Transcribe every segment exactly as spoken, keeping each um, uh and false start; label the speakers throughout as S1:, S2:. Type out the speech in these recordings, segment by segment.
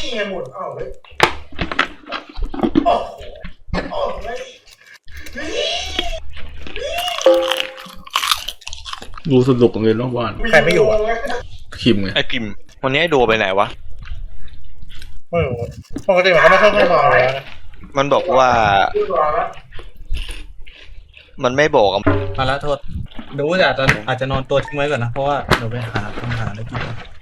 S1: ไงหมดอ้าวเลยโอ้โอ้เลย
S2: ดูสนุกเลยรอบบ้าน
S1: ใครไม่อยู่อ่ะ
S2: คิมไง
S3: ไอ้กิมวันนี้ไอ้โดไปไหนวะ
S1: ไม่รู้ปกติมันก็ไม่ค่อยไม่บอกเลยนะ
S3: มันบอกว่ามันไม่บอกอะ
S4: มาแล้วโทษดูแต่อาจจะอาจจะนอนตัวทิ้งไว้ก่อนนะเพราะว่าเดี๋ยวไปหาทำหาแล้วกิน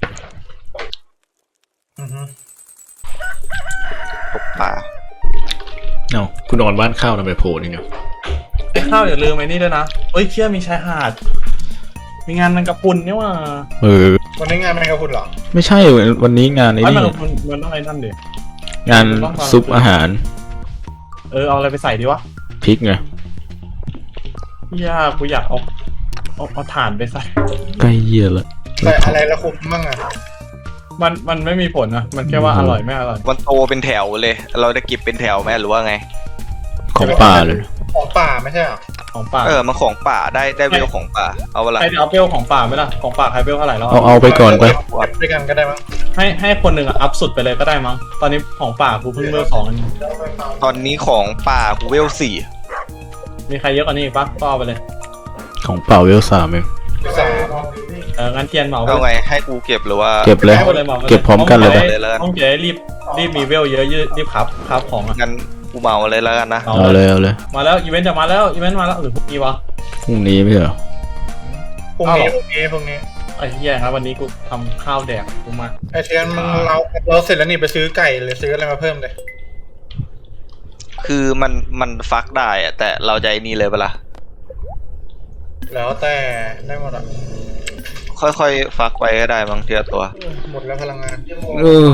S3: ตกปลา
S2: เอ้าคุณนอนบ้านข้าวทำไมโผล่นี่เนี่ย
S4: ไอ้ข้าวอย่าลืมไอ้นี่ด้วยนะเอ้ยเชี่ยมีชายหาดมีงานมันกระปุนนี่ว่า
S2: เออ
S1: วันนี้งานมันกับคุณเหรอ
S2: ไม่ใช่วันนี้งานไอ้นี่
S4: มันมันต้องไอ้นั่นดิ
S2: งานซุปอาหาร
S4: เออเอาอะไรไปใส่ดีวะ
S2: พริกไง
S4: ย่ากูอยากเอาเอาเอาถ่านไปใส่
S2: ใกล้เยี่ยละ
S1: ใส่อะไรละคุมบ้างอ่ะ
S4: มันมันไม่มีผลนะมันแค่ว่าอร่อยไม่อร่อย
S3: มันโตเป็นแถวเลยเราจะเก็บเป็นแถวไหมหรือว่าไง
S2: ของป่าเลย
S1: ของป่าไม่ใช่หรอ
S4: ของป่า
S3: เออมันของป่าได้ได้เวลของป่าเอาอะไร
S4: ใครเอาเวลของป่าไหมล่ะของป่าใครเวลเท่าไหร่แล้ว
S2: เอาเอาไปก่อนไป
S1: ด้วยกันก็ได้มั้ง
S4: ให้ให้คนหนึ่งอัพสุดไปเลยก็ได้มั้งตอนนี้ของป่ากูเพิ่งเวลสอง
S3: ตอนนี้ของป่ากูเวลสี่
S4: มีใครเยอะกว่านี้อีกปะก็เอาไปเลย
S2: ของเปล่าเวลสามเอง
S4: เอองั้นเทียนเหมา
S3: เอาไงให้กูเก็บหรือว่า
S2: เก็บเลยเก็บพร้อมกันเลย
S4: ต้องเก็บรีบรีบมีเวลเยอะรีบครับครับของอ่ะ
S3: งั้นกูเหมาเลยแล้วกันนะ
S2: เอาเลยเอาเลย
S4: มาแล้วอีเวนต์จะมาแล้วอีเวนต์มาแล้วหรือพรุ่งนี้วะ
S2: พรุ่งนี้ไม่เหรอ
S1: พรุ่งนี้พรุ่งนี้พรุ่งนี้
S4: ไอ้เหี้ยครับวันนี้กูทำข้าวแดกกูมา
S1: ไอ้เทียนมึงเราเราเสร็จแล้วนี่ไปซื้อไก่หรือซื้ออะไรมาเพิ่มเลย
S3: คือมันมันฟักได้อะแต่เราจะไอ้นี่เลยเปล่า
S1: แล้วแต่ได้หมดอ่ะ
S3: ค่อยๆฟักไปก็ได้บางทีตัว
S1: หมดแล้วพลังงาน
S2: เออ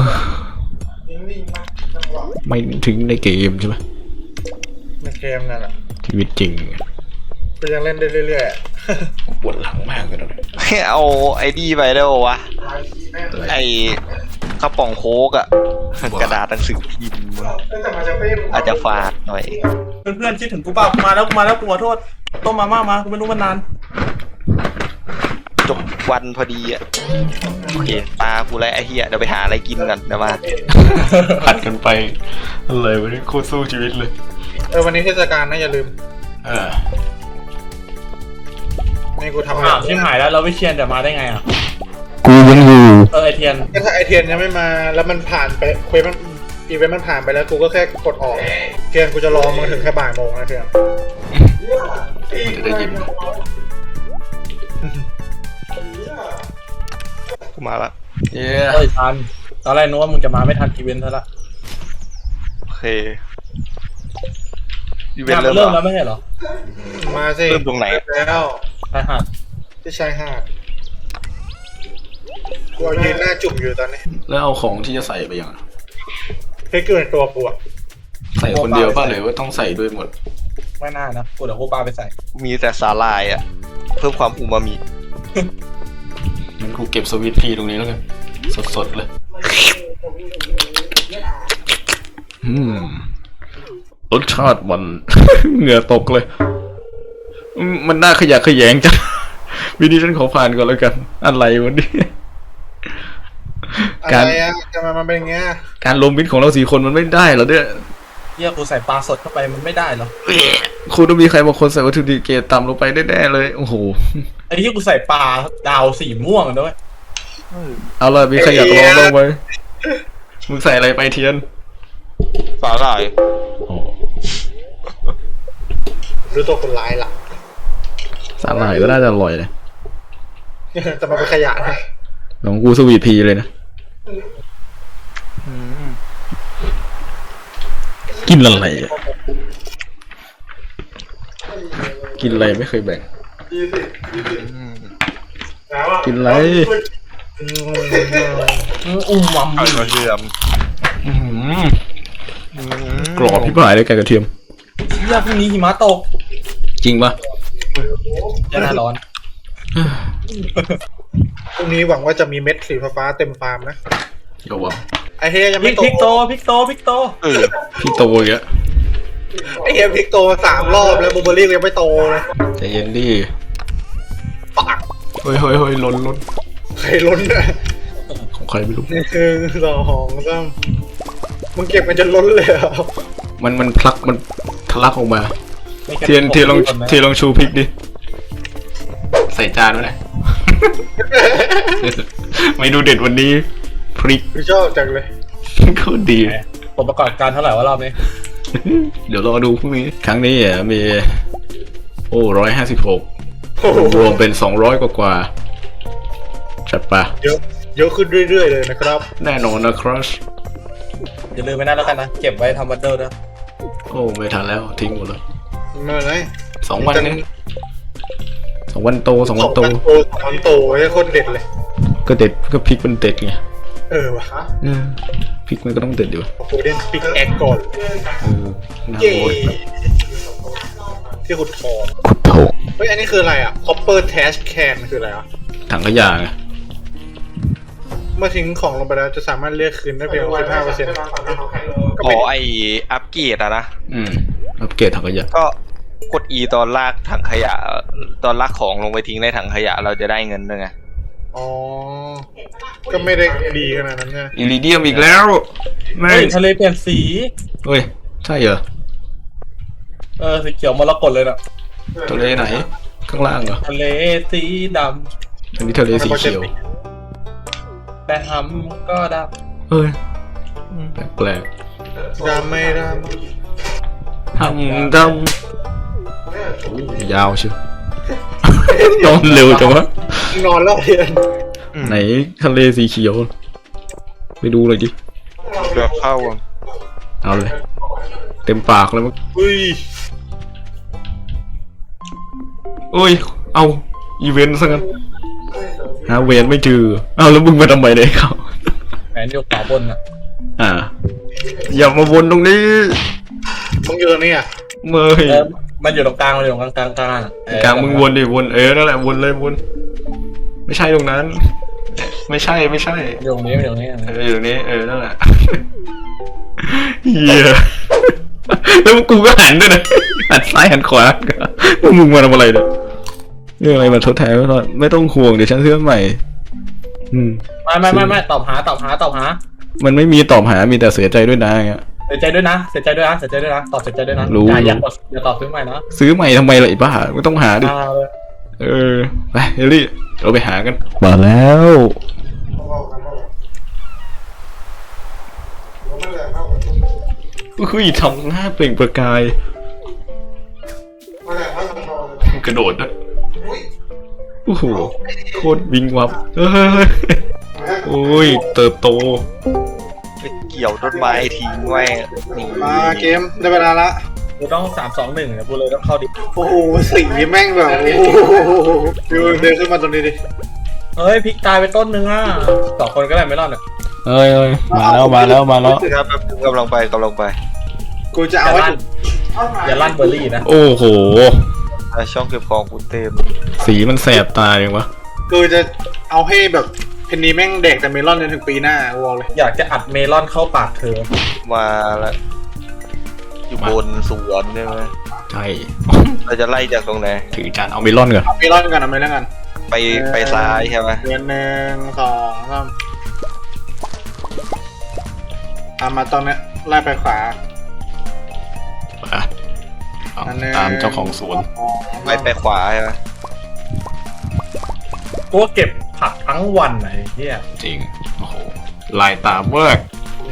S2: ไม่ถึงในเกมใช่ไหม
S1: ในเกมนั่นแหละ
S2: ชีวิตจริง
S1: ก็ยังเล่นได้เรื่อย
S2: ๆปวดหลังมากเลย
S3: ให้เอาไอ้ดีไปได้ป่าวะไอ้กระป๋องโค้กอะกระดาษหนังสือพิมพ์อาจจะฟาดหน่อย
S4: เพื่อนๆคิดถึงกูเปล่ากูมาแล้วกูมาแล้วกูขอโทษต้มมาม่ามากูไม่รู้มันนาน
S3: จบวันพอดีอ่ะโอเคตากูแล้วไอ้เหี้ยเดี๋ยวไปหาอะไรกินกันเดี๋ยวมา
S2: ผัดกันไปอะไรวันนี้โคตรสู้ชีวิตเลย
S1: เออวันนี้เทศกาลนะอย่าลืม
S2: เออ
S1: นี่กูทำ
S4: อ้าวชิมหายแล้วเราวิเชียนจะมาได้ไงอ่ะ
S2: กูยังอยู่
S4: เออไอเทียน
S1: ถ้าไอเทียนยังไม่มาแล้วมันผ่านไปเควสมันอีเวนต์มันผ่านไปแล้วกูก็แค่กดออกเทียนกูจะรอมึงถึงแค่บ่ายโมงนะเทียน
S2: มันจะได้ยิน
S3: กูมาละ
S4: เย้เฮ้ยทันตอนแรกนึกว่ามึงจะมาไม่ทันอีเวนต์ซะละ
S3: โอเค
S4: อีเวนต์เริ่มแล้วไม่ใช่เหรอ
S1: มาสิ
S3: เริ่มตรงไหน
S1: แล้ว
S4: ชายหาด
S1: ที่ชายหาดกูยืนหน้าจุ่มอยู่ตอนนี้
S2: แล้วเอาของที่จะใส่ไปยัง
S1: ให้เกินตัวกูอะ
S2: ใส่คนเดียวป่ะหรือว่าต้องใส่ด้วยหมด
S4: ไม่น่านะกูเดี๋ยวกูปาไปใส่
S3: มีแต่สาลายอ่ะเพิ่มความอูมามิ
S2: งั้นกูเก็บสวิตพีตรงนี้แล้วกันสดๆเลยอืมรสชาติมัน เหงื่อตกเลยมันน่าขยะขยงจังวิธีฉันขอผ่านก่อนแล้วกันอะไรวันนี้
S1: การจะมามันเป็นไง
S2: การรวมมิตรของเราสี่คนมันไม่ได้เหรอเนี่ย
S4: เยี่ยกูใส่ปลาสดเข้าไปมันไม่ได้หรอ
S2: คุณต้องมีใครบางคนใส่วัตถุดิบเกรดต่ำลงไปแน่ๆเลยโอ้โห
S4: ไอ้ที่กูใส่ปลาดาวสีม่วงด้วย
S2: เอาเลยมีใครอยากลองบ้างไหมมึงใส่อะไรไปเทียน
S3: สาหร่าย
S1: รู้ตัวคนร้ายล่ะ
S2: สาหร่ายก็น่าจะอร่อยเลย
S1: แต่มันเป็นขยะนะ
S2: น้องกูสวีทพีเลยนะกินอะไรอ่ะกินอะไรไม่เคยแบ่งกินอะไร
S4: อุ้มวัม
S3: กระเทียม
S2: กรอบพี่ผายเลยไก่กระเทียม
S4: เชี่ยพรุ่งนี้หิมะตก
S2: จริงปะ
S4: จะหน้าร้อน
S1: พรุ่งนี้หวังว่าจะมีเม็ดสีฟ้าเต็มฟาร์มนะ
S2: เดี๋ยววะ
S1: ไอเฮียยังไม่โต
S4: พิกโตพิกโตพิกโต
S2: เออพี่โตเยอะ
S1: ไอเฮียพิกโตสามรอบแล้วบูเบอรี่ยังไม่โตเลย
S2: ใจเย็นดิ
S1: ปัก
S2: เฮ้ยเฮ้ยเฮ้ยล้นล้น
S1: ใครล้นอะ
S2: ของใครไม่รู้
S1: หนึ่งสองสามมึงเก็บมันจนล้นเลยเหรอ
S2: มันมันพลักมันทะลักออกมา
S4: มีกระ
S2: เทียนเทียนลอง
S4: ป๋นะ
S2: เทียนลองชูพริกดิ ใส่จานไว้เลย เมนูเด็ดวันนี้พริก
S1: กูชอบจังเลย
S2: โคตรดี
S4: ผมประกอบการเท่าไหร่วะรอบนี้
S2: เดี๋ยวรอดูพรุ่งนี้ ครั้งนี้อ่ะมี โอ้ร้อยห้าสิบหก
S1: โอ้โห
S2: รวมเป็นสองร้อยกว่ากว่าจัดปะ
S1: เยอะเยอะขึ้นเรื่อยๆเลยนะครับ
S2: แน่นอนนะครัช
S4: อย่าลืมไปนั่นแล้วกันนะ เก็บไว้ทำบัตเตอร์ด้วย
S2: โอ้ไม่ทันแล้วทิ้งหมดเลย
S1: มาเลย
S2: สองวันนี้สองวันโตสองวันโต
S1: สองสองวันโตไอ้โคตรเด็ดเลย
S2: ก็เด็ดก็พริกมันเด็ดไง
S1: เออวะ
S2: เออพริกมันก็ต้องเด็ดอยู่
S1: โคเดนปิกแอคก่อน
S2: เออน่า
S1: เย้
S2: โวย
S1: ที่ขุดทอง
S2: ขุดโถ
S1: เฮ้ยอันนี้คืออะไรอ่ะ copper trash can คืออะไรอ่ะ
S2: ถังขยะไง
S1: เมื่อทิ้งของลงไปแล้วจะสามารถเรียกคืนได้เพียงสิบห้าเปอร์เซ็นต์ก็
S3: อ๋
S1: เป็น
S3: อไออัปเกรดอะนะ
S2: อืมอัปเกรดถังขยะ
S3: ก็กด E ตอนลากถังขยะ ตอนลากของลงไปทิ้งในถังขยะเราจะได้เงินด้วยไง
S1: อ๋อ ก็ไม่ได้ดีขนาดนั้นใช่ไหม
S2: อิริเดียมอีกแล้วไม่
S4: เฮ้ยทะเลเปลี่ยนสี
S2: เฮ้ยใช่เหรอ
S4: เออสีเขียวมรกตเลยน่ะ
S2: ทะเลไหนข้างล่างเหรอ
S4: ทะเลสีด
S2: อันนี้ทะเลสีเขียว
S4: ำแต่หำก็ด
S2: เฮ้ยแปลก
S1: ดำไม่ด
S2: ๆทำดำโอ้ยาวเชียวน อนเร็วจังวะ
S1: ำนอนแล้วเรียน
S2: ไหนทะเลสีเขียว ไปดูเลยดิ
S3: เลือกเข้าอะ
S2: เอาเลย เต็มปากเลยมั้ง
S1: อุ้ย
S2: โอ้ย เอาอีเวนต์ซะงั้นหาเวนไม่เจอเอาแล้วมึงมาทำไมเนี่ยเขา
S4: ำแหวนอยู่ขวาบนน่ะ
S2: อ่า อย่ามาวนตรงนี้
S1: ต้องอยู่ตรงนี้อ่ะ
S2: เมย
S4: เออมันอยู่ตรงกลางมันอยู่ตรงกลางกลางกลางอะเออก
S2: ลางมึงวนดิวนเออนั่นแหละวนเลยวนไม่ใช่ตรงนั้น ไม่ใช่ไม่ใช่
S4: อยู่ตรงนี้อยู่ตรงนี้
S2: เอออยู่ตรงนี้เออนั่นแหละเฮียแล้วกูก็หันด้วยนะหันซ้ายหันขวาพวกมึงมาทำอะไรเนี่ยเรื่องอะไรมาทดแทนไม่ต้องไม่ต้องห่วงเดี๋ยวฉันซื้อใหม่ อืม
S4: ไม่ไม่ไม่ไม่ตอบหาตอบหาตอบหา
S2: มันไม่มีตอบหามีแต่เสียใจด้วยนะอย่างเงี้ย
S4: เสียใจด้วยนะเสียใจด้วยนะเสียใจด้วยนะตอบเสียใจด้วยนะ
S2: รู้
S4: อย่าอย่ากดอย่าตอบซื้อใหม่นะ
S2: ซื้อใหม่ทำไมล่ะไอ้บ้าไม่ต้องหาดิ
S4: อ่าเลย
S2: เออไปเฮลี่เราไปหากันมาแล้วคือทำหน้าเปล่งประกายมันกระโดดด้วยโอ้โหโคตรวิงวับเฮ้ยโอ้ยเติบโต
S3: ไปเกี่ยวต้นไม้ทิ้งไว้นี่
S1: มาเกมได้เวลาละ
S4: กูต้องสามสองหนึ่งนะกูเลยต้องเข้าดิ
S1: โอ้โหสีแม่งแบบโอ้โหดูเดินขึ้นมาตรงนี้ดิ
S4: เฮ้ยพริกตายไปต้นนึงอ่ะสองคนก็ได้ไม่รอดเนี่ย
S2: เอ้ยเอ้ยมาแล้วมาแล้วมาแล้ว
S3: ครับแป๊บนึงกำลังไปกำลังไป
S1: กูจะ
S4: อ
S1: เอา
S4: ย่า
S1: ไว้
S4: ลั่นอย่าลั่นเบอร์รี่นะ
S2: โอ้โห
S3: อ่ะช่องเก็บของคุณเต็ม
S2: สีมันแสบตาอย่างวะ
S1: กูจะเอาให้แบบเพนนีแม่งเด็กแต่เมลอนจนถึงปีหน้ากูบอกเลย
S4: อยากจะอัดเมลอนเข้าปากเธอ
S3: มาแล้วอยู่บนสวนใช่ไหม
S2: ใช่
S3: เราจะไล่จากตรงไหน
S2: ถือจานเอาเมลอนก่อน
S1: เอาเมลอนกันเอาเมลอนกัน
S3: ไปไปซ้ายใช่ไหม
S1: เดือนหนึ่งสองสามตามมาตอนเนี้ยไล่ไปขวา
S2: มาเอา
S1: อันหนึ่ง
S2: ตามเจ้าของสวน
S3: ไปไปขวาใช่ไหม
S4: กูว่าเก็บผักทั้งวันไหนเฮีย
S2: จริง โอ้โห ลายตามเวิร์ก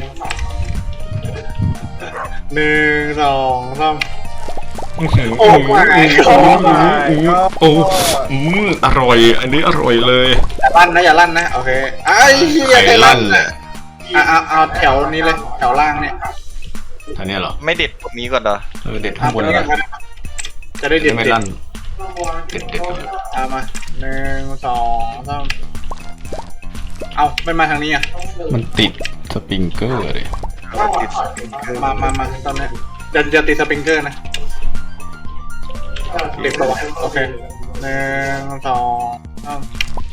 S1: หนึ่งสองสาม
S2: โอ้
S1: โอ้ my god
S2: โอ้อืมอร่อย อันนี้อร่อยเลย
S1: อย่าลั่นนะอย่าลั่นนะโอเคไอ้เหี้ย
S2: ใคร
S1: ใคร
S2: ลั่
S1: ลั่
S2: น
S1: น
S2: แห
S1: น่ะ
S2: ละ
S1: เอาเอาเอาแถวนี้เลยแถวล่างเนี่ย
S2: ท่านี้เหรอ
S3: ไม่เด็ดตรงนี้ก่อนเหรอ
S2: เออเด็ดข้างบน
S1: เอา
S2: แล้ว
S1: ไป
S2: กัน
S1: จะได้เด็ด
S2: ไม่
S1: เด็ด
S2: ลั่น เด็ดเด็ดกันเลย
S1: เอามาหนึ่งสองสามเอาไม่มาทางนี้อ่ะ
S2: มันติดสปริงเกอร์เลย
S3: ติด
S1: มามามาตอนนี้เดี๋ยวจะติดสปริงเกอร์นะเด็กปะวะโอเคหนึ่งสองสาม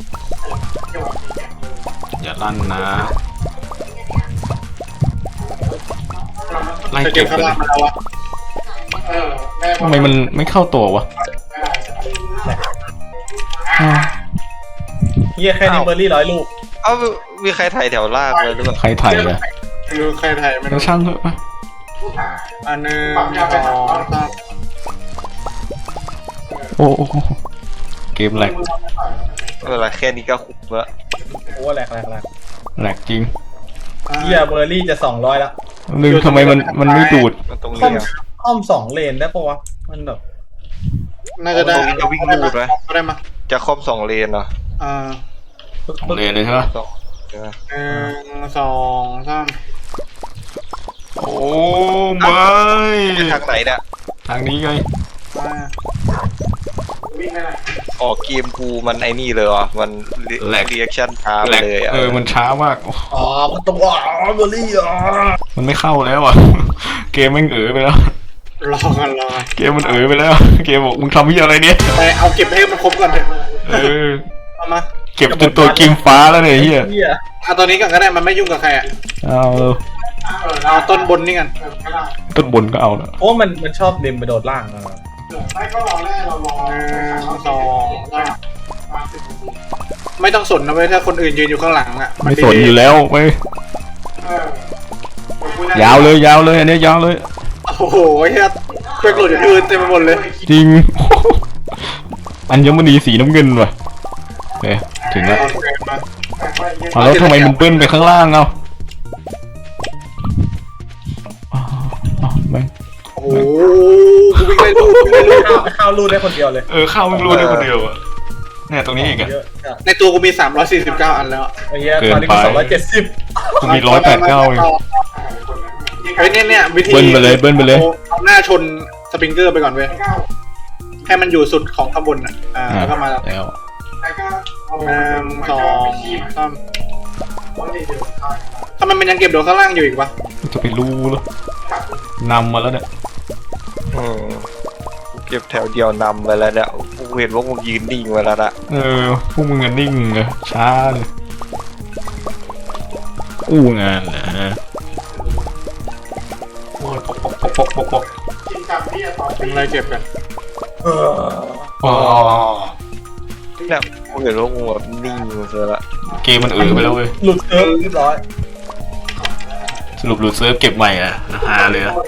S2: อย่าลั่นนะไล่
S1: จะ
S2: เก็
S1: เก็
S2: บบ
S1: ข้าง
S2: เลย
S1: ล่างมาแล้ววะ
S2: ทำไมมันไม่เข้าตัววะ
S4: เฮียแค่นี้เบอร์รี่ร้อยลูก
S3: เอ้ามีใครถ่ายแถวลากเลยหรือเปล่า
S2: ใครถ่ายอะ
S1: ไม่รู้ใครถ่ายไม่
S2: แล้
S1: รู้
S2: วช่างเถอะไป
S1: อันหนึ่งสองสาม
S2: โอ้โอ้โอ้เกมแหลก
S3: เออละแค่นี้ก็คุ้มละ
S4: โอ้แหลกแหลกแหลก
S2: แหลกจริง
S4: เฮียเบอร์รี่จะสองร้อยละ
S2: ลืมทำไมมันมันไม่ดูด
S3: มันตรง
S4: ค่อม
S3: นี้อะ
S4: ค่อมสองเลนได้ปะวะมันแบบ
S1: น่าจะได้
S3: ตรงนี้จะวิ่งรูดไหม
S1: ก็ได้มา
S3: จะครอบสองเลนเหรอ
S1: อ่า
S2: ของเลนเลยใช่ปะ
S3: สองใช่ไหม
S1: หนึ่งสองสาม
S2: โอ้ไม่
S3: ทางไหนเนี่ย
S2: ทางนี้ไง
S1: มาวิ่งได้ไหน
S3: ออกเกมกูมันไอ้นี่เลยเหรอมันเรีแอคชั่นช้าไป
S2: แหลก
S3: เลยอ่ะ
S2: เออมันช้ามาก
S4: อ๋อมันต้องอ๋อเบอร์รี่อ๋อ
S2: มันไม่เข้าแล้วอ่ะ เกมมันเอ๋อไปแล้ว
S1: รอกันรอกัน
S2: เกมมันเอ๋อไปแล้ว เกมบอกมึงทำยี่อะไรเนี่ย
S1: ไปเอาเก็บให้มันครบก่อนเถอะ
S2: เออ
S1: เอามา
S2: เก็บจนตัวกิมฟ้าแล้วเนี่ยเฮีย
S4: เฮีย
S1: เอาตัวนี้ก่อนก็ได้มันไม่ยุ่งกับใครอ่ะ
S2: เอาเลย
S1: เอาต้นบนนี่กัน
S2: ต้นบนก็เอาแล้ว
S4: โอ้มันมันชอบเดินไปโดดล่างอะ
S1: หนึ่งสองสามไม่ต้องสนนะเว้ยถ้าคนอื่นยืนอยู่ข้างหลังอ่ะ
S2: ไม่สนอยู่แล้วไปยาวเลยยาวเลยอันนี้ยาวเลย
S1: โอ้โหเฮียเพื่อนโหลดอยู่ที่อื่นเต็มไปหมดเลย
S2: จริง อัญมณีสีน้ำเงินว่ะโอเคถึงแล้วเอาแล้วทำไมมันเบิ้ลไปข้างล่างเอาอ้าวอ้าวแม่ง
S1: โอ้โหกูวิ่งได้ลูกวิ่งได้ลูก
S4: เข้าเข้ารูดได้คนเดียวเลย
S2: เออเข้าไม่รู้ได้คนเดียวอ่ะเนี่ยตรงนี้อีกอ่ะ
S4: เยอะจัด
S1: ในตัวกูมีสามร้อยสี่สิบเก้าอันแล้ว
S4: ไอ้เหี้ย
S2: เกิน
S4: ตอนนี้
S2: ไป
S4: กูสองร้อยเจ็ดสิบ
S2: กูมีร้อยแปดเก้าเอง
S1: เฮ้ยเนี่ยเนี่ยวิธี
S2: เบิ้ลไปเลยเบิ้ลไปเลย
S1: เอาหน้าชนสปริงเกอร์ไปก่อนเว้ยให้มันอยู่สุดของข้างบนอ่ะอ่าแล้วก็มา
S2: แล้ว
S1: หนึ่งสองสามทำไมมันยังเก็บโดนข้างล่างอยู่อีกวะ
S2: จะไปรู้แล้วนำมาแล้วเนี่ย
S3: อืมกูเก็บแถวเดียวนำไปแล้วเนี่ยกูเห็นว่ามึงยืนนิ่งไว้แล้วนะ
S2: เออพวกมึงอะนิ่งเลยช้าเลยอู้งานนะฮะโอ้ยปอกปอกปอกปอกปอก
S1: ทำอะไรเก็บกัน
S2: อ๋อ
S3: เนี่ยกูเห็นว่ามึงแบบนิ่งซะละ
S2: เกมมันเออไปแล้วเว้ย
S4: หลุดเซิร์ฟเรียบร้อย
S2: สรุปหลุดเซิร์ฟเก็บใหม่อ่ะฮาเลยอะ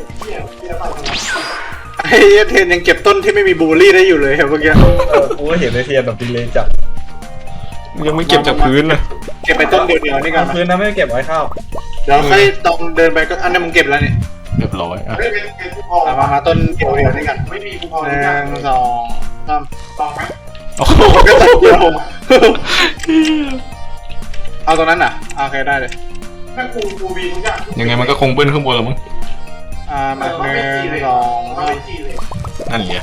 S1: ไอ้เทนยังเก็บต้นที่ไม่มีบูลลี่ได้อยู่เลยเมื่อกี้
S4: เออกูก็เห็นในเทียนแบบดีเลยจัด
S2: ยังไม่เก็บจากพื้นเลย
S1: เก็บไปต้นเดียวๆนี่ก่อนนะ
S4: พื้นนะไม่ได้เก็บไว้ข้าว
S1: เดี๋ยวค่อยตองเดินไปก็อันนั้นมึงเก็บแล้วนี่
S2: เรียบร้อยอ่ะ
S1: มามามาต้นเดียวๆนี่กันไม่มีกูพอหนึ่งสองสามสองไหม
S2: โอ้โห
S1: ก็ต้นเดียวเอาตรงนั้นน่ะโอเคได้เลย
S2: ยังไงมันก็คงเบิ้ลข้างบนหรอมั้ง
S1: อ่ามาหนึ่งสองสาม
S2: นั่นไง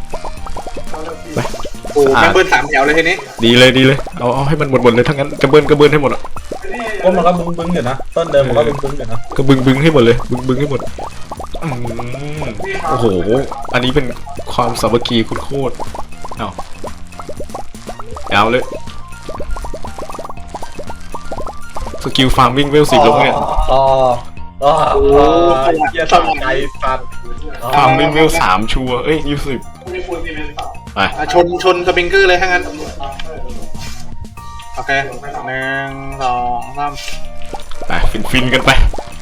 S1: โอ้แม่งเบิ้ลสามแถวเลยทีนี้
S2: ดีเลยดีเลยเอาเอาให้มันหมดหมดเลยทั้งนั้นจะเบิ้ลก็เบิ้ลให้หมดอ่ะ
S4: ว่ามันก็บึ้งบึ้งอยู่นะต้นเดิมมันก็บึ้งบึ้งอยู่นะ
S2: ก็บึงบึงให้หมดเลยบึงบึงให้หมดอืมโอ้โหอันนี้เป็นความสามัคคีโคตรๆเอายาวเลยสกิลฟาร์มวิ่งเวลสิบแล้วเนี่ย
S4: อ๋ออ๋อเฮียสับไก่สัตว์
S2: ฟาร์มวิ่งเวลสามชัวร์เอ้ยยี่สิบไป
S1: อ่ะชนชนสปริงเกอร์เลยถ้างั้นโอเคหนึ่งสองสาม
S2: ไปฟินฟินๆกันไป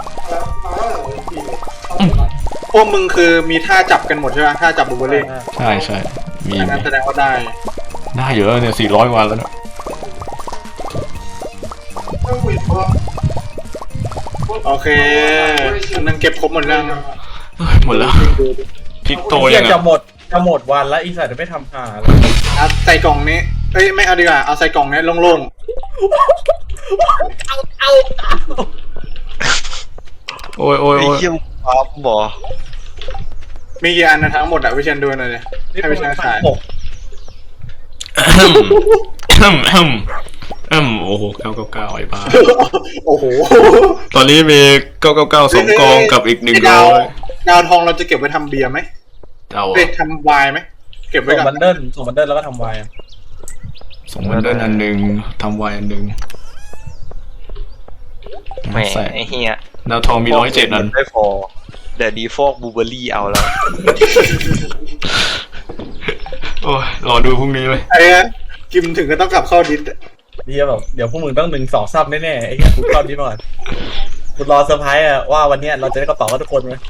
S1: พวกมึงคือมีท่าจับกันหมดใช่ไหมท่าจับบูเบอรี่
S2: ใช่ใช่มี
S1: อันนั้นแสดงว่าได้
S2: ได้เยอะเนี่ยสี่ร้อยวันแล้วเนี่ย
S1: โอเคอันนั้นเก็บครบหมดแล้ว
S2: เฮ้ยหมดแล้วพลิกโต
S4: เฮี
S2: ยั
S4: ย
S2: ง
S4: จะ
S2: ไง
S4: หมดจะหมดวันแล้วอีสัตว์จะไม่ทำหาเลย
S1: เอาใส่กล่องนี้เอ้ยไม่เอาดีกว่าเอาใส่กล่องนี้โล่ง
S4: เอาเอาเอา
S2: โอ้ยโอ้ย
S3: ไอ้
S2: โอ้ย
S3: เหี้ยมึงปั๊มบ่
S1: ๆมีกี่อันนะทั้งหมดอะวิเชียนดูหน่อยเลยให้วิเชียนขาย
S4: หก
S2: อืมอืมอืมอืมโอ้โหเก้าเก้าเก้าไอ้บ้า
S1: โอ้โห
S2: ตอนนี้มีเก้าเก้าเก้าสองกองกับอีกหนึ่ง
S1: ดา
S2: ร้
S1: ว
S2: อย
S1: ดาวทองเราจะเก็บไว้ทำเบียร์ไหม
S2: เจ้า
S1: เอ้ยทำไวน์ไหมเก็บไว้
S4: ส่ง
S1: ก่อ
S4: บั
S1: น
S4: นเดิลส่งบันเดิลแล้วก็ทำไวน์
S2: ส่งมันเดินอันหนึ่งทำไวอันหนึ่ง
S3: แหม
S2: ใส่
S3: ไอ้เหี้ย
S2: ดาวทองมีร้อยเจ็ดอัน
S3: ไม่พอเดี๋ยวดีฟอกบูเบอรี่เอาแล้ว
S2: โอ้ยรอดูพรุ่งนี้เลย
S1: ไอ้เนี่ยกิมถึงก็ต้องกลับเข้าดิสอะ
S4: เฮียแบบเดี๋ยวพวกมึงต้องหนึ่งสองซับแน่ๆไอ้เหี้ยกูเข้าดีมาก่อนคุณรอเซอร์ไพรส์อะว่าวันเนี้ยเราจะได้กระเป๋ากันทุกคนไหม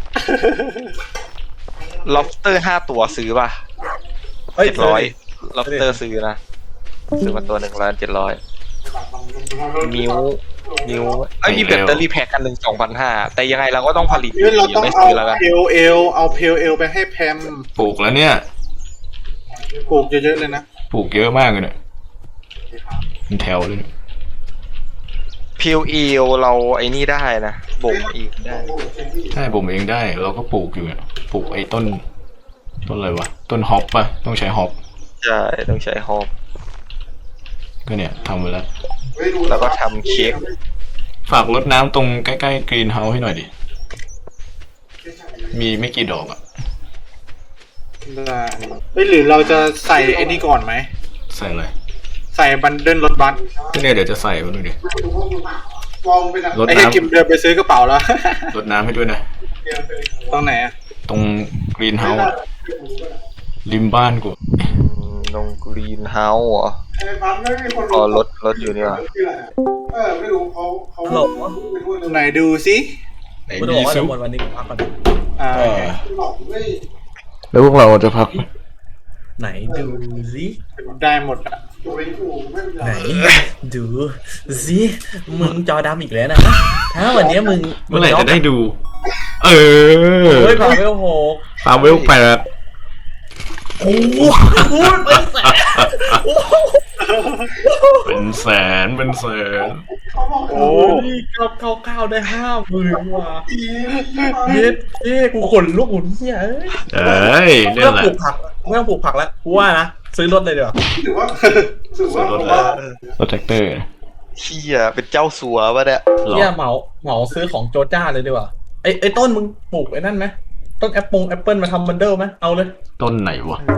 S3: lobster ห้าตัวซื้อป่ะ
S4: เฮ้ย
S3: เจ็ดร้อย lobster ซื้อนะซื้อมาตัวหนึ่งร้อยเจ็ดร้อยนิ้วนิ้วไอ้ยมีแบตเตอรี่แพ็คอันหนึ่งสองพันห้าแต่ยังไงเราก็ต้องผลิตอ
S1: เฮ้ย
S3: ยู่
S1: เรา
S3: ดี
S1: ต้อง
S3: ไม่
S1: เอา
S3: ซื้อแล้วกัน
S1: เพลเอลเอาเพลเอลไปให้แพม
S2: ปลูกแล้วเนี่ย
S1: ปลูกเยอะๆเลยนะ
S2: ปลูกเยอะมากเลยเนี่ยเป็นแถวเลยเนี่ย
S3: พิวเอลเราไอ้นี่ได้นะบ่มอีกได้
S2: ใช่ผมเองได้เราก็ปลูกอยู่เนี่ยปลูกไอ้ต้น ต้นอะไรวะต้นฮอปป่ะต้องใช้ฮอป
S3: ใช่ต้องใช้ฮอป
S2: ก็เนี่ยทำไว้แล้ว
S3: แล้วก็ทำเค้ก
S2: ฝากรดน้ำตรงใกล้ๆกรีนเฮาส์ให้หน่อยดิมีไม่กี่ดอกอะ
S1: ได้เฮ้ยหรือเราจะใส่ไอ้นี่ก่อนไหม
S2: ใส่อะไร
S1: ใส่บันเดิลรถบัส
S2: ก็เนี่ยเดี๋ยวจะใส่มาดูดิรด
S1: ไอ้แค่
S2: น้ำ
S1: กิมเดินไปซื้อกระเป๋าแล้ว
S2: รดน้ำให้ด้วยนะ
S1: ตรงไหนอะ
S2: ตรงกรีนเฮาส์ริมบ้านกู
S3: ลงกรีนเฮาส์เหรออ๋อรถรถอยู่นี่หว่า
S4: ฮัลโหล
S1: ไหนดูซิ
S2: ไหน
S4: คุณ
S2: ดี
S4: บอกว่า
S2: ซุ
S4: เดี๋ยววันนี้ผมพักก่อน
S1: อ่า
S2: แล้วพวกเราจะพัก
S4: ไหนดูสิ
S1: ได้หมดอะ
S4: ไหนดูสิมึงจอดำอีกแล้วนะถ้าวันเนี้ยมึง
S2: เมื่อไหร่จะได้ดู เออ
S4: เฮ้ยพาเวลหก
S2: ฟาเวลแปด
S4: โอ้โหเป็นแสน
S2: เป็นแสนเป็นแสน
S1: โอ้
S4: โอ้ยเข้าเข้าเข้าได้ห้าหมื่นว่ะเย็ดเย้กูขนลุกหุ่นเหี้ยเอ้ย
S2: เอ้ย
S4: ไม่
S2: เนี่ย
S4: ต้อง
S2: แหละ
S4: ปลูกผักไม่ต้องปลูกผักแล้วกูว่านะซื้อรถเลยเดี๋ยว
S2: ส่วนรถแล้วรถแท็กเตอร์
S3: เฮียเป็นเจ้าสัวปะเนี่ย
S2: หรอ
S4: เที่ยเหมาเหมาซื้อของโจจ้าเลยดีกว่าไอ้ไอ้ต้นมึงปลูกไอ้นั่นไหมต้นแอปปงแอปเปิลมาทำบันเดิลไหมเอาเลย
S2: ต้นไหนวะ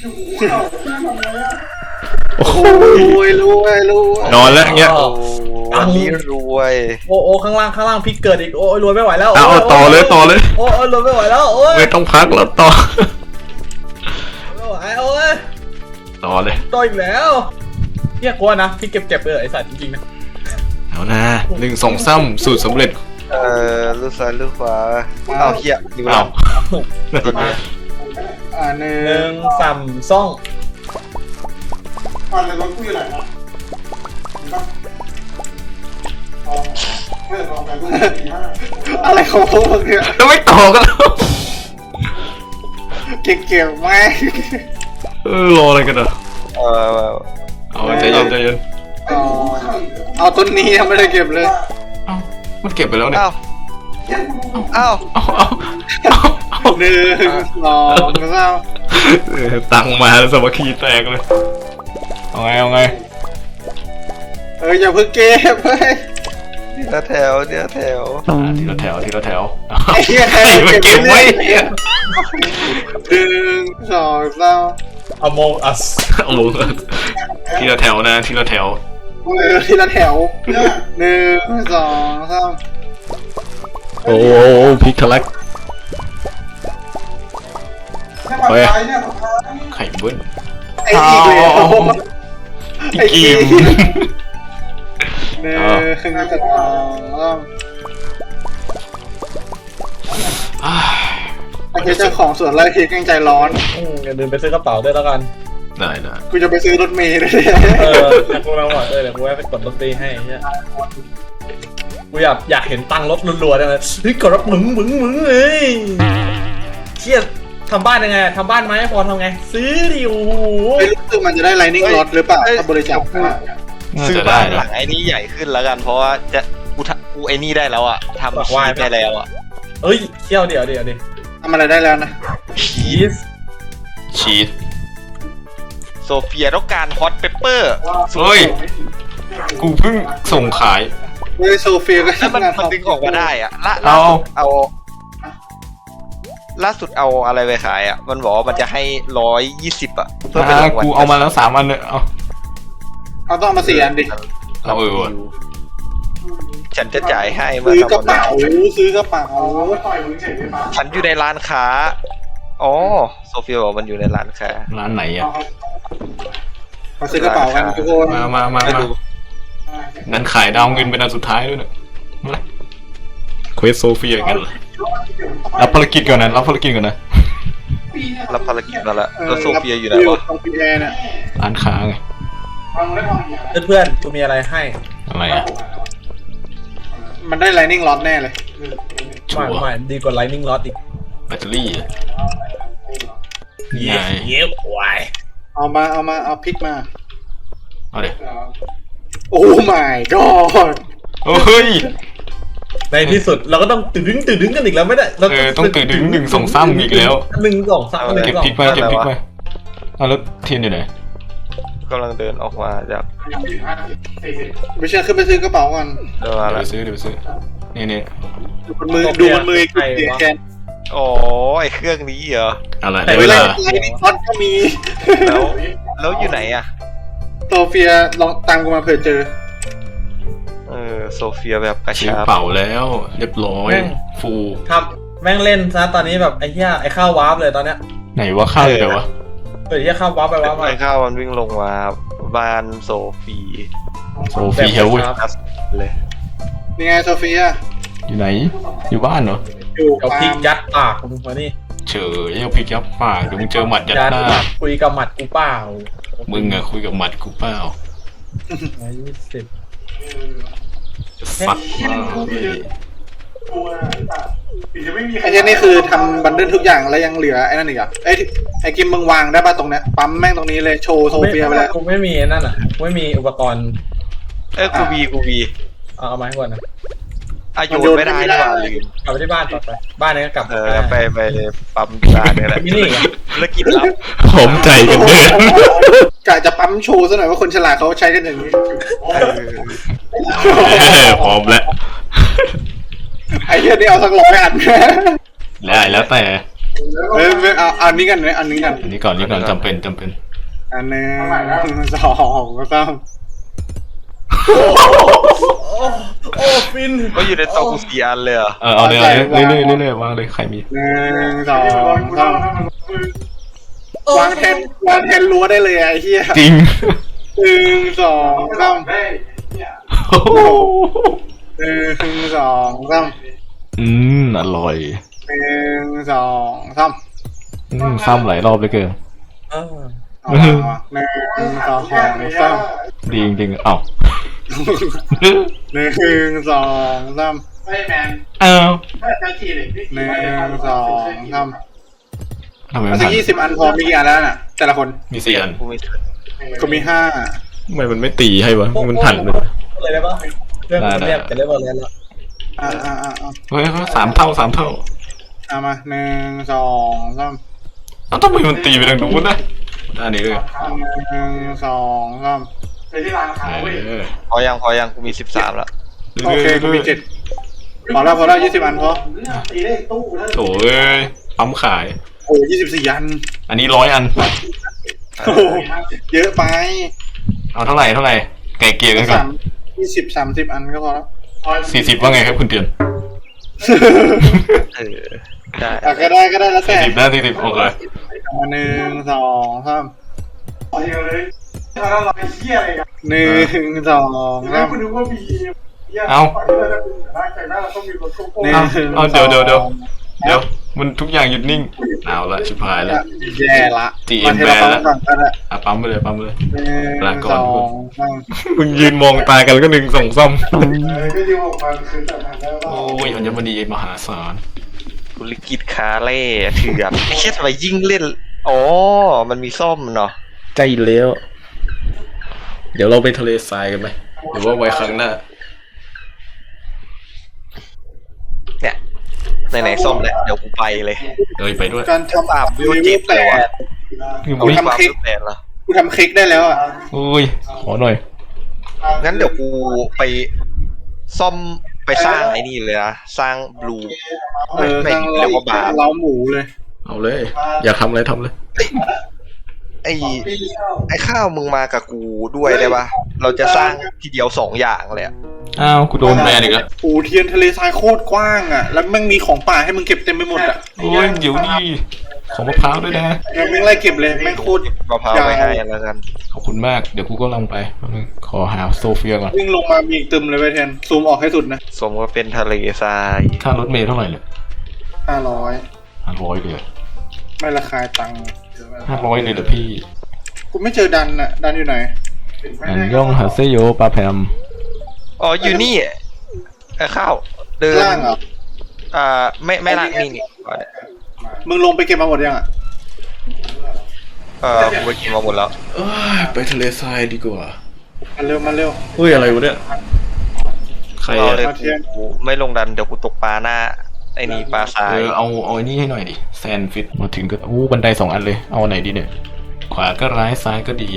S1: โอ้ยรวยรวย
S2: นอนแล้วเงี้ย
S3: โอ้วันนี้รวย
S4: โอ้โอ้ข้างล่างข้างล่างพลิกเกิดอีกโอ้ยรวยไม่ไหวแล้ว
S2: เอาเอาต่อเลยต่อเลย
S4: โอ้ยรวยไม่ไหวแล้วโอ้ย
S2: ไม่ต้องพักแล้วต่อ
S4: ไม่ไหวโอ้ย
S2: ต่อเลย
S4: ต่ออีกแล้วเฮียกลัวนะพี่เก็บเจ็บเลยไอ้สัตว์จริงๆนะ
S2: เอานะหนึ่งสองซ้ำสูตรสำเร็จ
S3: เอ่อลูกซ้ายลูกขวาเอาเฮียดู
S2: เอา
S3: แล้ว
S1: อ่าหนึ่
S4: หนึ่
S1: ง
S4: งสามซ่อง
S1: ฟันในรถกูอยู่ไหนวะอะไรของพวกเนี่ย
S2: แล้วไม่ต่อกันแล้ว
S1: เก่งๆแม่ง
S2: เออรออะไรกันอ่ะ
S3: เออ
S2: เอาใจเย็นใจเย็น
S1: เอาเอาต้นนี้ยังไม่ได้เก็บเลย
S2: เอ้ามันเก็บไปแล้วเนี่ย
S3: เอ้าเอ้า
S2: เอาเอาเอาเอา
S1: หนึ่งสองสาม
S2: เออตังค์มาแล้วสมาคีแตกเลยเอาไงเอาไง
S1: เอออย่าเพิ่งเก็บเฮ้ย
S3: ทีละแถวทีละแถว
S2: อ่าทีละแถวทีละแถว
S1: ไอ้เหี้ยใคร
S2: ไอ้มัน
S1: เก็
S2: เก็
S1: บบ ไม่
S2: ไว้
S1: ได้
S2: เนี่ย
S1: หนึ่งสองสาม
S4: อโมอัส
S2: โอ้โหทีละแถวนะทีละแถว
S1: เออทีละแถวหนึ่งสองสาม
S2: โอ้โหพลิกทะลักไปไข่เบิ้ล
S1: ไอ้อีกเลย
S2: ไอ้กิม
S1: หนึ่งสองสามไอ้เจ้าของสวนไร่พริกยังใจร้อน
S4: อืมอย่าลืมไปซื้อกระเป๋าด้วยแล้วกัน
S2: ได้ได้
S1: กูจะไปซื้อรถเมล์ด้วย
S4: เออแต่กูเราบอกเออเดี๋ยวกูแวะไปกดรถตีให้เนี่ยกูอยากอยากเห็นตังค์รถรัวๆได้ไหมเฮ้ยกดรถมึงมึงมึงเลยเชี่ยทำบ้านยังไงทำบ้านไหมพอทำไง ซื้อดิโอ้โห
S1: ไม่รู้สึกมันจะได้ไลนิ่งรถหรือเปล่าถ้าบริจาค
S2: น่า
S3: ซื้อ
S2: จะได้
S3: บ้านห
S2: นะ
S3: ลังไอ้นี่ใหญ่ขึ้นแล้วกัน เพราะว่าจะกูทำกูไอ้นี่ได้แล้วอะทำชีสได้แล้วอะ
S4: เอ้ยเที่ยวเดี๋ยวเดี๋ยวเดี๋ยว
S1: ทำอะไรได้แล้วนะ
S4: ชีส
S2: ชีส
S3: โซเฟียต้องการฮอตเปปเปอร์
S2: เฮ้ยกูเพิ่งส่งขาย
S1: เฮ้ยโซเฟียก็
S3: แล้วมัน
S1: ทำงาน
S3: มันดึงออกมาได้อะล่า
S2: เอา
S3: ล่าสุดเอาล่าสุดเอาอะไรไปขายอะมันบอกว่ามันจะให้ร้อยยี่สิบอะเพื่อเป็น
S2: อ่าร
S3: างวัล
S2: กูเอามาแล้วสามอันเนี่ยเอา
S1: เอาต้องเอามาสี่อันดิ
S2: เอาเออว่ะ
S3: ฉันจะจ่ายให้เมื่อ
S1: ซื้อก
S3: ทำ
S1: ระ
S3: วัน
S1: เป๋า
S3: นั้น
S1: ซื้อกระเป๋า
S3: ฉันอยู่ในร้านค้าอ๋อโซเฟียบอกมันอยู่ในร้านค้า
S2: ร้านไหนอ่ะ
S1: มาซื้อกระเป๋ากันทุกคน
S2: มามามา
S3: ไม่
S2: มา
S3: รู้
S2: นั้นขายดาวเงินเป็นอันสุดท้ายด้วยเนี่ยมาควสโซเฟียกันเหรอรับภารกิจก่อนนะรับภารกิจก่อนนะ
S3: รับภารกิจมาละแล้วโซเฟียอยู่ไหนวะ
S1: ตรงพีแอร์เนี่ย
S2: ร้านค้าไง
S4: เพื่อนๆกูมีอะไรให้
S2: อะไรอ่ะ
S1: มันได้ไลนิ่งล็อตแน่เลย
S2: ชั
S4: ไม่
S2: วร์
S4: ไม่ดีกว่า Lightning Rod อีก
S2: แบตเตอรี่อะนี่ไง
S4: เย็บไว
S1: เอามาเอามาเอาพริกมา
S2: เอาเดี๋ยว
S1: โอ้ my god
S2: โอ้ย
S4: ในที่สุดเราก็ต้องตื่นดึงตื่นดึงกันอีกแล้วไม่ได้เรา
S2: เออต้องตื่นดึงหนึ่งสองสามอีกแล้ว
S4: หนึ่งสองสามหนึ่ง
S2: เก็บ
S4: สอง
S2: พริกไปเก็บพริกไปเอาแล้วเทียนอยู่ไหน
S3: กำลังเดินออกมาจาก
S1: ไม่ใช่ขึ้นไปซื้อกระเป๋าก่อน
S3: เดินมา
S2: เดี๋ยว
S3: แล้ว
S2: ไปซื้อเดี๋ยวไปซื้อนี่นี่
S1: ดูบนมือดูบนมือกูเสียแคน
S3: อ๋อไอเครื่องนี้เหรอ
S2: อะไร
S1: แต่
S2: ได้
S1: เว
S2: เว
S1: ลา
S2: ลา
S1: ไลนิ่งล็อตก็มี
S3: แล้วแล้วอยู่ไหนอะ
S1: โซเฟียลองตามกูมาเผื่อเจอ
S3: เออโซเฟียแบบกระ
S2: ซื้อ
S3: ชับ
S2: เป่าแล้วเรียบร้อยฟู
S4: ครับแม่งเล่นซะตอนนี้แบบไอ้เหี้ยไอ้ข้าววาร์ปเลยตอนเนี้ย
S2: ไหนว่าข้าวอยู่ไหนวะ
S4: เฮ้ยเหี้ยข้าววาร์ปไปวาร์ปมา
S3: ไอ้ข้าวมันวิ่งลงมาบ้านโซฟี
S2: โซฟีเฮลเว้ย
S3: ครับเลย
S1: นี่ไงโซเฟีย
S2: อยู่ไหนอยู่บ้านเหรอ
S1: อยู่
S4: เอาพริกยัดปากมึงมานี่
S2: เฉยเอาพริกยับปากเดี๋ยวมึงเจอหมัดยัด
S4: ยัด
S2: หน้า
S4: ปากคุยกับหมัดกูเปล่า
S2: มึงอะคุยกับหมัดกูเปล่า
S4: ร้อยยี่สิบ
S2: สัตว์
S1: ไอ้เช่นนี่คือทำบันเดิลทุกอย่างแล้วยังเหลือไอ้นั่นอีกเหรอ่ะไอ้ที่ไอ้กิมมึงวางได้ป่ะตรงเนี้ยปั๊มแม่งตรงนี้เลยโชว์โซเฟียไปแล้ว
S4: กูไม่มีไอ้นั่นอ่ะไม่มีอุปกรณ์
S3: เอ้ยกูบีกูบี
S4: เอาเอามาให้ก่อนนะ
S3: อายุไม่ได้ดีกว่าลืม
S4: กลับไปที่บ้านต่อไปบ้านนี้ก็กลับ
S3: เออไปไปปั๊มตาเนี่ยแหละ
S4: มินี่อ่ะ
S3: แล้วกินรับ
S2: หอมใจกันเดิน
S1: กะจะปั๊มโชว์ซะหน่อยว่าคนฉลาดเขาใช้กันอย่างนี้
S3: เออ
S2: พร้อมแล้ว
S1: ไอ้เหี้ยนี่เอาสักร้อยอัน
S2: ได้แล้วแต่
S1: เอ้ยไม่เอาเอาอันนี้กันเลยอันนี้กัน
S2: อันนี้ก่อนนี้ก่อนจำเป็นจำเป็น
S1: อันหนึ่งสองสาม
S4: โอ้ฟิน
S3: ก็อยู่ในโต๊ะกูสี่อันเลยเหรอ
S2: เออเอาเลยเอาเลยเรื่อยๆเรื่อยๆวางเลยใครมี
S1: หนึ่งสองสามวางแทนวางแทนรั้วได้เลยไอ้เหี้ย
S2: จริง
S1: หนึ่งสองสามหนึ่งสองสาม
S2: อืมอร่อย
S1: หนึ่งสองสาม
S2: อืมซ้ำหลายรอบเลยเกิน
S4: เออ
S1: เอามาเอามาหนึ่งสองสาม
S2: ดีจริงๆเอ้า
S1: หนึ่งสองสาม
S2: อ้าว
S1: หนึ่งสองสาม
S2: ทำไม
S1: เอา
S2: มัน
S1: สั
S2: หั
S1: ก
S2: น
S1: ยี่สิบอันพอมีกี่อันแล้วน่ะ แต่ละคน
S2: มีสี่อัน
S3: กูไม่
S1: ก็มีห้า
S2: ทำไมมันไม่ตีให้วะมันหันเลย
S4: เลยได้ปะเรื่องมันเรียบจะเรียบร้อยแล้ว
S1: อ่าอ่าอ่าอ่า
S2: เฮ้ยสามเท่าสามเท่า
S1: เอามาหนึ่งสองสาม
S2: เอ้าทำไมมันตีไปทางนู้นนะด้านนี้เลย
S1: หนึ่งสองสาม
S2: เออ
S3: พอยังพอยังกูมีสิบสามแล้ว
S1: โอเคกูมีเจ็ดพอแล้วพอแล้วยี่สิบอันพอ
S2: โถ่เอ้ยปั๊มขาย
S1: โอ้ยี่สิบสี่อัน
S2: อันนี้ร้อยอัน
S1: โอ้โหเยอะไป
S2: เอาเท่าไหร่เท่าไหร่ไก่เกลี่ยกันก่อ
S1: สาน มยี่สิบสามสิบอันก็พอแล้ว
S2: สี่สิบว่าไงครับคุณเตียน
S3: เออได้
S1: อ่ะก็ได้ก็ได้แล้ว
S2: สี่
S1: แต่
S2: สิบได้สี่สิบโอเค
S1: มาหนึ่งสองสามหนึ่งสองสาม
S2: เอา
S1: หนึ่
S2: เอา
S1: ง
S2: เอาเดี๋ยวเดี๋ยวเดี๋ยวเดี๋ยวมันทุกอย่างหยุดนิ่งเอาละชิบหายแล้ว
S1: แย่ละ
S2: จีเอ็
S1: มาม เท
S2: แบ
S1: ละ
S2: น
S1: ปั๊ม
S2: แล้ว
S1: ก่อนก็ได้
S2: อ่ะปั๊มไปเลยปั๊มไปเลย
S1: หนึ่ง
S2: ลาก่อน
S1: สองสาม
S2: มึงยืนมองตากันแล้วก็หนึ่งสองซ้ำโอ้ยอัญมณีมหาศาล
S3: ธุรกิจคาเล่เถื่อนไอ้เชี่ยทำไมยิ่งเล่นอ๋อมันมีซ่อมเนาะ
S2: ใจแล้ว เดี๋ยวเราไปทะเลทรายกันไหมหรือว่าไว้ครั้งหน้า
S3: เนี่ยไหนๆซ่อมแล้วเดี๋ยวกูไปเลย
S2: เอ้ยไปด้วย
S1: การทำ
S3: ปราบวิวเจ็บเลยวะ
S1: กู
S3: มีความ
S1: ทำคลิก
S3: รู้แปลกเหรอ
S1: กูทำคลิกได้แล้วอ่ะ
S2: โอ้ยขอหน่อย
S3: งั้นเดี๋ยวกูไปซ่อมไปสร้างไอ้นี่เลยนะสร้างบลู
S1: เออ
S3: ไม่
S1: ทาง
S3: เรียกว่าบาร์
S1: เล้าหมูเลย
S2: เอาเลย อยากทำอะไรทำเลย
S3: ไอ้ไอ้ข้าวมึงมากับกูด้วยได้ปะเราจะสร้างทีเดียวสองอย่างเลยอะ
S2: อ้าวกูโดนแบนอีกแล้ว
S1: โอ้เทียนทะเลทรายโคตรกว้างอ่ะแล้วแม่งมีของป่าให้มึงเก็บเต็มไปหมดอ่ะ
S2: โอ้ยเดี๋ยวนี่ของมะพร้าวด้วยนะ
S1: แม่งไล่เก็บเลยแม่งโคตร
S3: มะพร้าวไว้ให้แล้วกัน
S2: ขอบคุณมากเดี๋ยวกูก็ลองไปแป๊บนึงขอหาโซเฟียก่อน
S1: วิ่งลงมามีอีกตึมเลยไปแทนซูมออกให้สุดนะ
S3: สมก็เป็นทะเลทราย
S2: ค่ารถเมล์เท่าไหร่เนี่ย
S1: ห้าร้อย
S2: ห้าร้อยเลย
S1: ไม่ราคาตังค์
S2: ห้าร้อยเลยเหรอพี่
S1: กูไม่เจอดันอ่ะดันอยู่ไหน
S2: อันย่องฮาเซโยปลาแพม
S3: อ๋ออยู่นี่ไอ้ข้าวเดิน
S1: ล่างเหรอ
S3: อ่าไม่ไม่ล่างนี่นี่อ๋อเนี่ย
S1: มึงลงไปเก็บมาหมดยังอ่ะ
S3: เออกูไปกินมาหมดแล้ว
S2: ไปทะเลทรายดีกว่า
S1: มาเร็วมาเร็ว
S2: เฮ้ยอะไรวะเนี่ยใคร
S3: เอา
S2: อะ
S3: เลย
S1: มาเทียน
S3: กูไม่ลงดันเดี๋ยวกูตกปลาหน้าไอ้นี่ปลาทราย
S2: เออเอาเอาไอ้นี่ให้หน่อยดิแซนฟิตมาถึงก็อู้บันไดสองอันเลยเอาอันไหนดีเนี่ยขวาก็ร้ายซ้ายก็ดี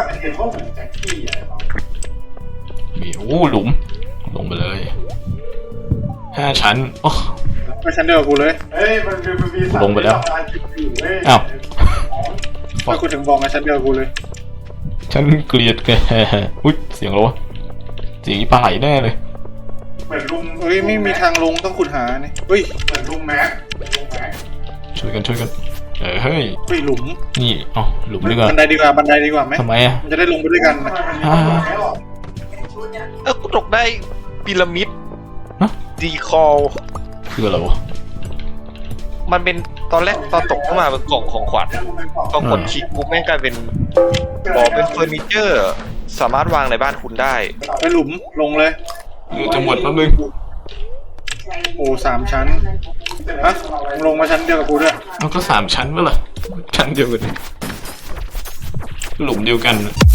S2: มีโอ้หลุมลงไปเลยห้าชั้นโอ้
S1: ไปชั้นเดียวกับกูเลยเฮ้ยมันมี
S2: ลงไปแล้วอ้าว
S1: ถ้ากูถึงบอกไงชั้นเดียวกับกูเลย
S2: ฉันเกลียดแกอุ้ยเสียงอะไรวะเสียงอีป่าอีแน่เลย
S1: เหมือนลุงเฮ้ยไม่มีทางลงต้องขุดหานี่เฮ้ยเหมือนลุงแม็ก
S2: ช่วยกันช่วยกันเออเฮ้ย
S1: เฮ้ยหลุม
S2: นี่อ๋อหลุมดีกว่า
S1: บันไดดีกว่าบันไดดีกว่าไหม
S2: ทำไมอ่ะ
S1: มันจะได้ลงไปด้วยกันนะ
S2: อ่า
S3: เออกูตกได้พีระมิด
S2: ฮะ
S3: ดีคอล
S2: คืออะไรวะ
S3: มันเป็นตอนแรกตอนตกเข้ามาเป็นกล่องของขวัญพอกดคลิกปุ๊บแม่งกลายเป็นบอกเป็นเฟอร์นิเจอร์ สามารถวางในบ้านคุณได้
S1: ไปหลุมลงเลย
S2: เรือจะหมดแป๊บนึง
S1: โอ้สามชั้นฮะมึงลงมาชั้นเดียวกับกูด้วย
S2: เอาก็สามชั้นวะล่ะชั้นเดียวกันหลุมเดียวกัน